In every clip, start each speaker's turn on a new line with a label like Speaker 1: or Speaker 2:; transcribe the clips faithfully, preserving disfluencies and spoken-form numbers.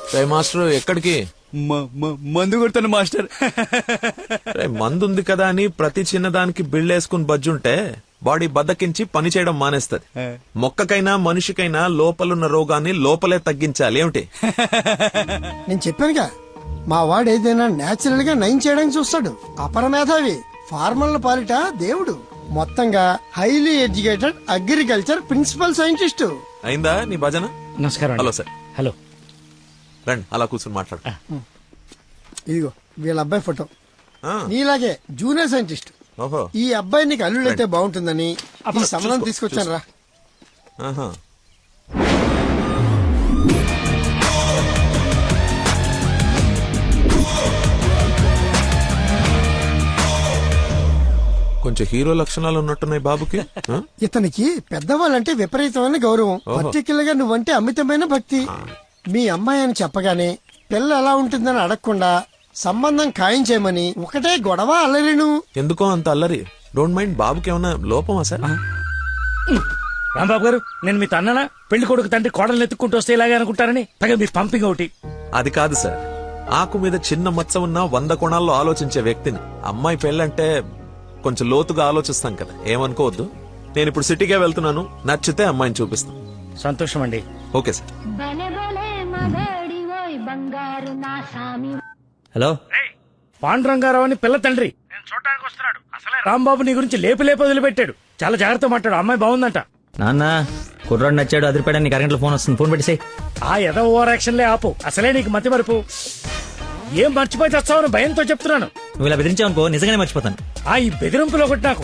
Speaker 1: రే master ఎక్కడికి?
Speaker 2: మందు కొడతాను మాస్టర్.
Speaker 1: రే మందు ఉంది కదా అని ప్రతి చిన్నదానికి బిళ్ళేసుకుని బజ్జుంటే బాడీ బద్దకించి పని చేయడం మానేస్తది. మొక్కకైనా మనిషికైనా లోపలున్న రోగాన్ని లోపలే తగ్గించాలి. ఏమిటి?
Speaker 3: నేను చెప్పానుగా, మా వాడు ఏదైనా నేచురల్ గా నయం చేయడానికి చూస్తాడు. అపరమేధావి, ఫార్మల్ పాలిట దేవుడు. మొత్తంగా highly educated agriculture principal scientist.
Speaker 1: అయిందా నీ భజన?
Speaker 4: నమస్కారం.
Speaker 1: Hello sir.
Speaker 4: హలో
Speaker 1: రండి అలా కూర్చొని మాట్లాడు.
Speaker 3: ఇదిగో వీళ్ళ అబ్బాయి ఫోటో.
Speaker 1: ఆ,
Speaker 3: నీలాగే జూనియర్ సైంటిస్ట్.
Speaker 1: ఓహో.
Speaker 3: ఈ అబ్బాయి నీకు అల్లుడైతే బాగుంటుందని ఈ సంబంధం తీసుకొచ్చాను రా.
Speaker 1: ఆహా. కొంచెం హీరో లక్షణాలు ఉన్నట్టున్నాయి బాబుకి. ఆ?
Speaker 3: ఇతనికి పెద్దవాళ్ళంటే విపరీతమైన గౌరవం. పర్టికులర్ గా నువ్వంటే అమితమైన భక్తి. మీ అమ్మాయి అని చెప్పగానే పిల్ల ఎలా ఉంటుందని అడగకుండా సంబంధం ఖాయం చేయమని ఒకటే గొడవ అల్లరిను.
Speaker 1: ఎందుకో అంత అల్లరి? Don't mind. బాబుకి ఏమన్నా లోపమా సార్?
Speaker 4: రాంబాబు గారు, నేను మీ తన్ననా? పెళ్లి కొడుకు తండ్రి కోడలు ఎత్తుక్కుంటూ వస్తే ఇలాగే అనుకుంటారని పైగా మీ పంపింగ్ ఒకటి.
Speaker 1: అది కాదు సార్, ఆకు మీద చిన్న మచ్చ ఉన్న వంద కోణాల్లో ఆలోచించే వ్యక్తిని. అమ్మాయి పెళ్ళంటే కొంచెం లోతుగా ఆలోచిస్తాం కదా, ఏమనుకోవద్దు. నేను ఇప్పుడు సిటీకే వెళ్తున్నాను, నచ్చితే అమ్మాయిని చూపిస్తాను.
Speaker 4: సంతోషం అండి.
Speaker 1: Okay sir.
Speaker 5: హలో,
Speaker 4: పాండురంగారావు అని పిల్ల తండ్రి నేను చూడటానికి వస్తున్నాడు. అసలే రాంబాబు నీ గురించి లేపు లేపు వదిలిపెట్టాడు. చాలా జాగ్రత్త మాట్లాడు. అమ్మాయి బాగుందంట.
Speaker 5: నాన్న కుర్రాడు నచ్చాడు, అదిరిపాడని నీకు అరగంటలో ఫోన్ వస్తుంది, ఫోన్ పెట్టేసాయి.
Speaker 4: ఆ ఎద ఓవర్ యాక్షన్లే ఆపు. అసలే నీకు మతి మరుపు. ఏం మర్చిపోయి తెస్తావని భయంతో చెప్తున్నాను.
Speaker 5: నువ్వు ఇలా బెదిరించావు అనుకో నిజంగానే మర్చిపోతాను.
Speaker 4: ఆ ఈ బెదిరింపులో ఒకటి నాకు.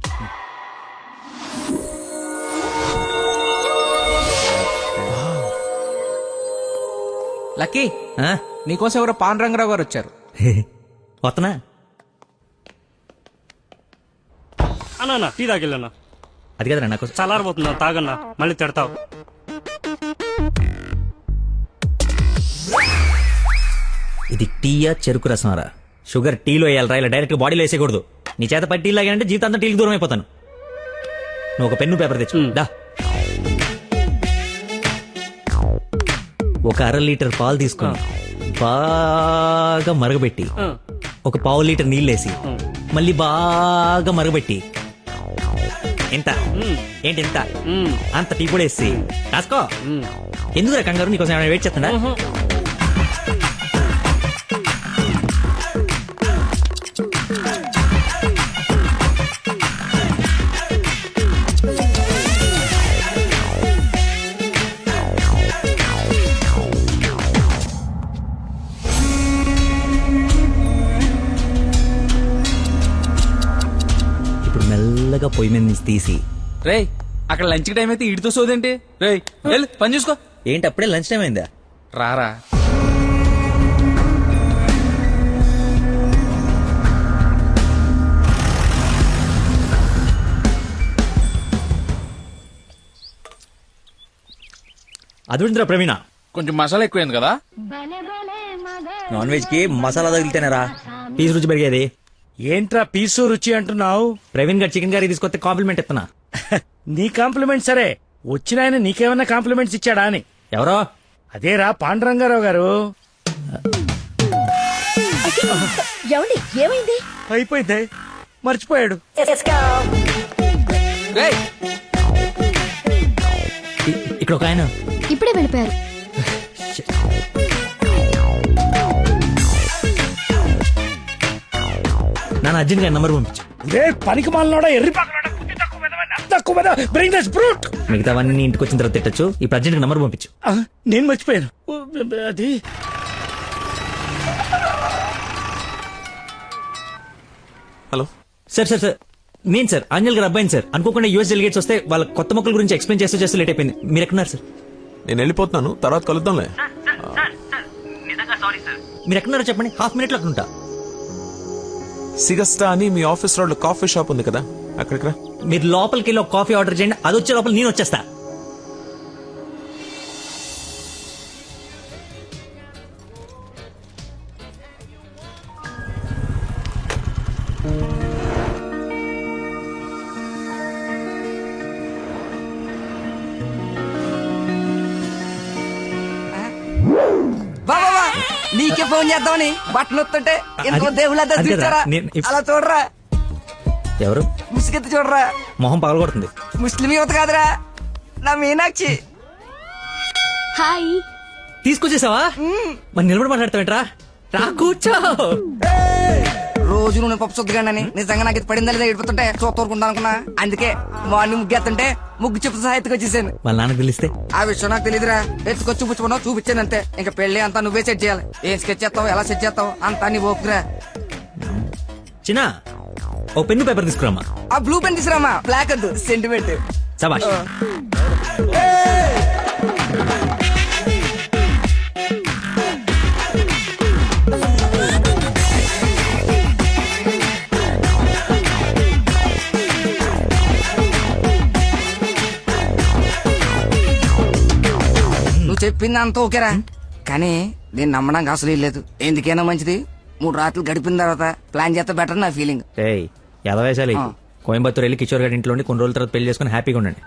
Speaker 6: లక్కీ,
Speaker 5: ఆ?
Speaker 6: నీకోసం ఎవరో పాండురంగరావు గారు వచ్చారు.
Speaker 5: వస్తున్నా.
Speaker 7: అన్నా టీ తాగిల్లన్నా.
Speaker 5: అది కదరా నాకు
Speaker 7: చల్లారబోతున్నా, తాగన్నా, మళ్ళీ తిడతావు.
Speaker 5: ఇది టీయా చెరుకు రసమారా? షుగర్ టీలో వేయాలరా, ఇలా డైరెక్ట్ గా బాడీలో వేసేయకూడదు. నీ చేత పట్టి టీ లాగానంటే జీవితాంతా టీకి దూరం అయిపోతాను. నువ్వు ఒక పెన్ను పేపర్ తెచ్చు. దా. ఒక అర లీటర్ పాలు తీసుకుని బాగా మరగబెట్టి ఒక పావు లీటర్ నీళ్ళేసి మళ్ళీ బాగా మరగబెట్టి ఎంత ఏంటి ఎంత అంత టీ కూడా వేసి రాసుకో. ఎందుకు కంగారు? నీకోసం ఏమైనా వెయిట్ చేస్తుందా? మెల్లగా పొయ్యి మీద నుంచి తీసి.
Speaker 6: రేయ్, అక్కడ లంచ్ టైం అయితే ఇడితో సోదేంటి? రేయ్ వెళ్ళు, పని చూసుకో.
Speaker 5: ఏంటి అప్పుడే లంచ్ టైం అయిందా?
Speaker 6: రారా.
Speaker 5: అదుందిరా ప్రవీణ,
Speaker 6: కొంచెం మసాలా ఎక్కువైంది కదా.
Speaker 5: నాన్ వెజ్ కి మసాలా తగిలితేనేరా పీసు రుచి పెరిగేది.
Speaker 4: ఏంట్రా పీసు రుచి అంటున్నావు?
Speaker 5: ప్రవీణ్ గారు చికెన్ కర్రీ తీసుకొస్తే కాంప్లిమెంట్ ఇస్తున్నా.
Speaker 4: నీ కాంప్లిమెంట్ సరే, వచ్చిన ఆయన నీకేమన్నా కాంప్లిమెంట్స్ ఇచ్చాడా అని.
Speaker 5: ఎవరో?
Speaker 4: అదేరా పాండురంగారావు గారు.
Speaker 8: ఏమైంది?
Speaker 4: అయిపోయింది, మర్చిపోయాడు.
Speaker 6: రేయ్,
Speaker 5: ఇ- ఇక్కడ ఒక ఆయన.
Speaker 8: ఇప్పుడే వెళ్ళిపోయారు.
Speaker 5: నాన్న అర్జున్ గారి నంబర్ పంపించు.
Speaker 4: రే పనికి మాలనోడా, ఎర్రి పాకలోడా, బుద్ధి తక్కువ వెధవా, నత్త తక్కువ వెధవా, bring this brute.
Speaker 5: మిగతావన్నీ ఇంటికి వచ్చిన తర్వాత తిట్టచ్చు. ఇప్పుడు అర్జున్ నంబర్ పంపించు.
Speaker 4: ఆ, నేను మర్చిపోయాను. ఓ, అది
Speaker 1: హలో
Speaker 5: సార్ సార్ సార్ నేను సార్ అంజల్ గారు అబ్బాయిని సార్. అనుకోకుండా యూఎస్ డెలిగేట్స్ వస్తే వాళ్ళ కొత్త మొక్కల గురించి ఎక్స్ప్లెయిన్ చేస్తూ చేస్తూ లేట్ అయిపోయింది. మీరు ఎక్కడున్నారు సార్?
Speaker 1: నేను వెళ్ళిపోతున్నాను, తర్వాత కలుద్దాంలే.
Speaker 5: మీరు ఎక్కడున్నారో చెప్పండి, హాఫ్ మినిట్ లో అక్కడ ఉంటా.
Speaker 1: సిగస్టా అని మీ ఆఫీస్ రోడ్ లో కాఫీ షాప్ ఉంది కదా, అక్కడికి రా.
Speaker 5: మీరు లోపలికి వెళ్ళి ఒక కాఫీ ఆర్డర్ చేయండి, అది వచ్చే లోపల నేను వచ్చేస్తా.
Speaker 6: వా
Speaker 8: ఫోన్ చేద్దామని బట్టలు వస్తుంటే ఇంకో
Speaker 5: అది-
Speaker 8: దేవుళ్ళ
Speaker 5: అది కదా,
Speaker 8: చూచారా
Speaker 5: నేను ఇప్-
Speaker 8: అలా చూడరా
Speaker 5: ఎవరు
Speaker 8: ముసుగెత్తి చూడరా
Speaker 5: మొహం పగలగొడుతుంది.
Speaker 8: ముస్లిం యువత కాదురా నా మీనాక్షి.
Speaker 9: హాయ్.
Speaker 5: తీసుకొచ్చేసావా? మరి నిలబడి మాట్లాడతావేంట్రా? రా కూర్చో.
Speaker 8: రోజు నువ్వు పప్పు చుద్దగానని నిజంగా నాకు ఇది పడిందా లేదా ఏడిపోతుంటే చూస్తూరుకుంటా అనుకున్నా. అందుకే మార్నింగ్ ముగ్గు ఎత్తుంటే ముగ్గు చెప్పు సహా ఎత్తుకొచ్చేసాను.
Speaker 5: వాళ్ళ నాన్నకు తెలిస్తే
Speaker 8: ఆ విషయం నాకు తెలియదురా. ఎత్తుకొచ్చి చూపించుకున్నావు చూపించాను అంతే. ఇంకా పెళ్లి అంతా నువ్వే సెట్ చేయాలి. ఏం స్కెచ్ చేస్తావు ఎలా సెట్ చేస్తావు అంతా నీ ఓపుకురా.
Speaker 5: చిన్న ఓ పెన్ను పేపర్ తీసుకురామా.
Speaker 8: ఆ బ్లూ పెన్ తీసురామా, బ్లాక్ వద్దు, సెంటిమెంట్.
Speaker 5: సబాష్.
Speaker 8: నువ్వు చెప్పింది అంత ఓకేరా, కానీ నేను నమ్మడానికి అసలు లేదు. ఎందుకైనా మంచిది మూడు రాత్రులు గడిపిన తర్వాత ప్లాన్ చేస్తే బెటర్ నా ఫీలింగ్.
Speaker 5: ఏయ్ ఎదవేశాలి.
Speaker 8: ఆ.
Speaker 5: కోయంబత్తూర్ వెళ్ళి కిషోర్ గారి ఇంట్లో ఉండి కొన్ని రోజుల తర్వాత పెళ్లి చేసుకుని హ్యాపీగా ఉండండి.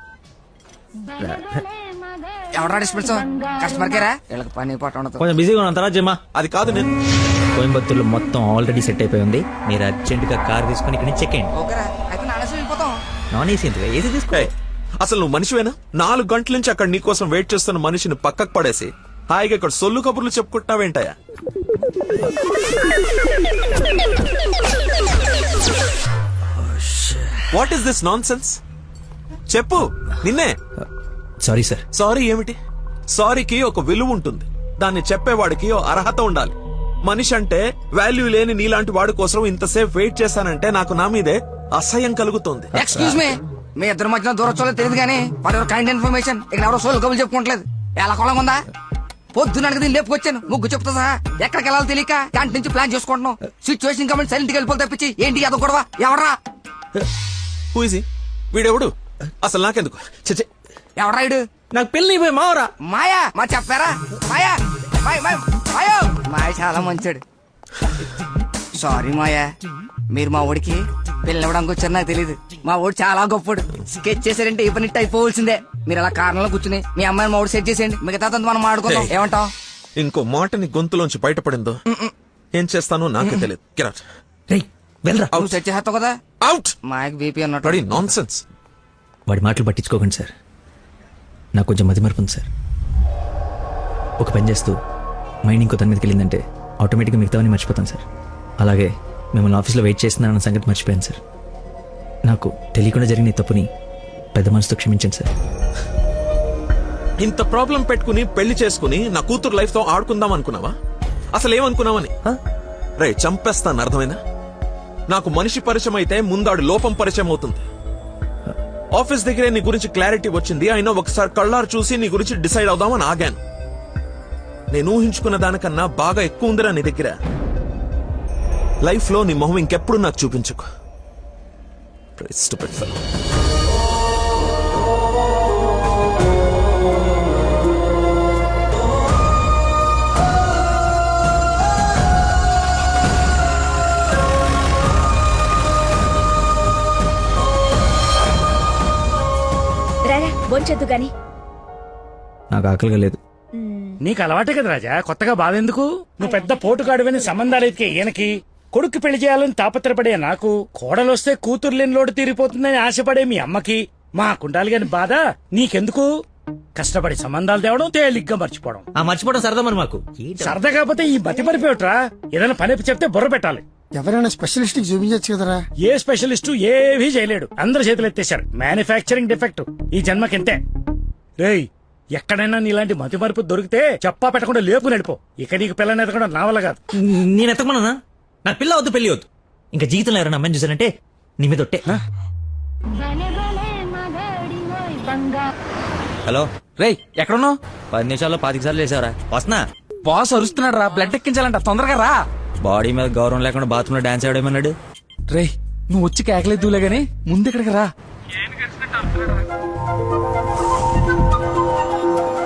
Speaker 8: ఎవరా డిస్పెన్స్ కస్టమర్ కేరా వీళ్ళకి పని పాట ఉండదు.
Speaker 5: కొంచెం బిజీగా ఉన్నాం తర్వాత జమ్మా.
Speaker 1: అది కాదు నేను
Speaker 5: కోయంబత్తూర్లో మొత్తం ఆల్రెడీ సెట్ అయిపోయి ఉంది. మీరు అర్జెంట్ గా కార్ తీసుకుని ఇక్కడ నుంచి చెక్ అయ్యండి.
Speaker 8: ఓకేరా అయితే నా అనవసరం వెళ్ళిపోతాం.
Speaker 5: నాన్ ఏసీ ఎందుకు? ఏసీ తీసుకో.
Speaker 1: ఏయ్, అసలు నువ్వు మనిషివేనా? నాలుగు గంటల నుంచి అక్కడ నీకోసం వెయిట్ చేస్తున్న మనిషిని పక్కకు పడేసి హాయిగా ఇక్కడ సొల్లు కబుర్లు చెప్పుకుంటున్నావేంటయా? What is this nonsense? చెప్పు, నిన్నే.
Speaker 5: Sorry sir.
Speaker 1: సారీ ఏమిటి? సారీకి ఒక విలువ ఉంటుంది. దాన్ని చెప్పేవాడికి ఓ అర్హత ఉండాలి. మనిషి అంటే వాల్యూ లేని నీలాంటి వాడి కోసం ఇంతసేపు వెయిట్ చేశానంటే నాకు నా మీదే అసహ్యం కలుగుతోంది.
Speaker 8: ఎక్స్క్యూజ్ మీ మీ ఇద్దరు మధ్యన దూరం చూడలేదు తెలియదు కానీ ఫర్ యువర్ కైండ్ ఇన్ఫర్మేషన్ ఇక్కడ ఎవరో సోల్ కబులు చెప్పుకోవట్లేదు. ఎలా కొలం ఉందా? పొద్దున దీన్ని లేపుకొచ్చాను ముగ్గు చెప్తా సహా. ఎక్కడికి వెళ్ళాలో తెలియక క్యాంటీన్ నుంచి ప్లాన్ చేసుకుంటున్నాం. సిచ్యువేషన్ కమెంట్ సైలెంట్ గా వెళ్ళిపోతే తప్పించి ఏంటి అదో గొడవ ఎవరా?
Speaker 1: Who is he? వీడెవడు? అసలు నాకెందుకు? చచ్చే,
Speaker 8: ఎవరా ఇడు?
Speaker 5: నాకు పెళ్లి అయిపోయి మావరా.
Speaker 8: మాయా మా చెప్పారా? మాయా మాయ మాయ మాయో మాయ చాలా మంచాడు. సారీ మాయా, మీరు మా ఊడికి పిల్లవడానికి వచ్చారు నాకు తెలియదు. మా ఊడు చాలా గొప్పడు. స్కెచ్ చేశారంటే ఈ పని అయిపోవలసిందే. మీరు అలా కారణంలో కూర్చుని మీ అమ్మాయిని మా ఊడు సెట్ చేసేయండి. మిగతా మనం ఆడుకుందాం.
Speaker 1: Hey.
Speaker 8: ఏమంటావ్?
Speaker 1: ఇంకో మాట నీ గొంతులోంచి బయటపడిందో ఏం చేస్తానో నాకే తెలియదు. Get out.
Speaker 5: రేయ్ వెళ్ళరా.
Speaker 8: నువ్వు సెట్ చేస్తావు కదా.
Speaker 1: Out.
Speaker 8: మాయకు బీపీ అన్నట్టు.
Speaker 1: Bloody nonsense.
Speaker 5: వాడి మాటలు పట్టించుకోకండి సార్. నాకు కొంచెం మతి మరపు ఉంది సార్. ఒక పని చేస్తూ మైండ్ ఇంకో దాని మీదకి వెళ్ళిందంటే ఆటోమేటిక్గా మిగతావన్నీ మర్చిపోతాను సార్. అలాగే మిమ్మల్ని ఆఫీస్లో వెయిట్ చేస్తున్నానన్న సంగతి మర్చిపోయాను సార్. నాకు తెలియకుండా జరిగిన ఈ తప్పుని పెద్ద మనసుతో క్షమించండి సార్.
Speaker 1: ఇంత ప్రాబ్లం పెట్టుకుని పెళ్లి చేసుకుని నా కూతురు లైఫ్ తో ఆడుకుందాం అనుకున్నావా? అసలు ఏమనుకున్నావని? రే చంపేస్తాను, అర్థమైనా? నాకు మనిషి పరిచయం అయితే ముందాడు లోపం పరిచయం అవుతుంది. ఆఫీస్ దగ్గరే నీ గురించి క్లారిటీ వచ్చింది. అయినా ఒకసారి కళ్ళారు చూసి నీ గురించి డిసైడ్ అవుదామని ఆగాను. నేను ఊహించుకున్న దానికన్నా బాగా ఎక్కువ ఉందిరా నీ దగ్గర. లైఫ్ లో నీ మొహం ఇంకెప్పుడు నాకు చూపించుకో. Stupid fellow.
Speaker 9: రారా బొంచొద్దు గాని.
Speaker 5: నాకు ఆకలిగా లేదు.
Speaker 4: నీకు అలవాటే కదా రాజా, కొత్తగా బాధ ఎందుకు? నువ్వు పెద్ద పోటుగాడువని సంబంధాలు ఎతికే ఈయనకి, కొడుకు పెళ్లి చేయాలని తాపత్రపడే నాకు, కోడలొస్తే కూతురు లేని లోటు తీరిపోతుందని ఆశపడే మీ అమ్మకి, మా కుండాలి గాని బాధ నీకెందుకు? కష్టపడి సంబంధాలు తేవడం, తేలిగ్గా మర్చిపోవడం.
Speaker 5: ఆ మర్చిపోవడం సరదా మరి మాకు.
Speaker 4: సరదా కాకపోతే ఈ మతి మరిపోయట్రా. ఏదైనా పని చెప్తే బుర్ర పెట్టాలి.
Speaker 3: ఎవరైనా స్పెషలిస్ట్ కి చూపించచ్చు కదరా.
Speaker 4: ఏ స్పెషలిస్టు ఏవీ చేయలేడు. అందరు చేతులు ఎత్తేశారు. మ్యానుఫ్యాక్చరింగ్ డిఫెక్ట్ ఈ జన్మకింతే. రేయ్ ఎక్కడైనా నీలాంటి మతి మరుపు దొరికితే చెప్పా పెట్టకుండా లేపు నడిపో. ఇక నీకు పిల్లని ఎదగడం నా వల్ల కాదు.
Speaker 5: నేను ఎత్తకమన్నా? నా పిల్ల వద్దు, పెళ్లి వద్దు. ఇంకా జీవితంలో ఎవరైనా అమ్మాయిని చూసానంటే నీ మీద ఒట్టే. హలో
Speaker 6: రేయ్ ఎక్కడున్నావు?
Speaker 5: పది నిమిషాల్లో పాతిక సార్లు వేసావరా? వస్తున్నా.
Speaker 6: బాస్ అరుస్తున్నాడు రా, బ్లడ్ ఎక్కించాలంట, తొందరగా రా.
Speaker 5: బాడీ మీద గౌరవం లేకుండా బాత్రూమ్ లో డాన్స్ ఆడేమన్నాడు.
Speaker 6: రేయ్ నువ్వు వచ్చి కేకలేదులే గానీ ముందు ఇక్కడికి రా.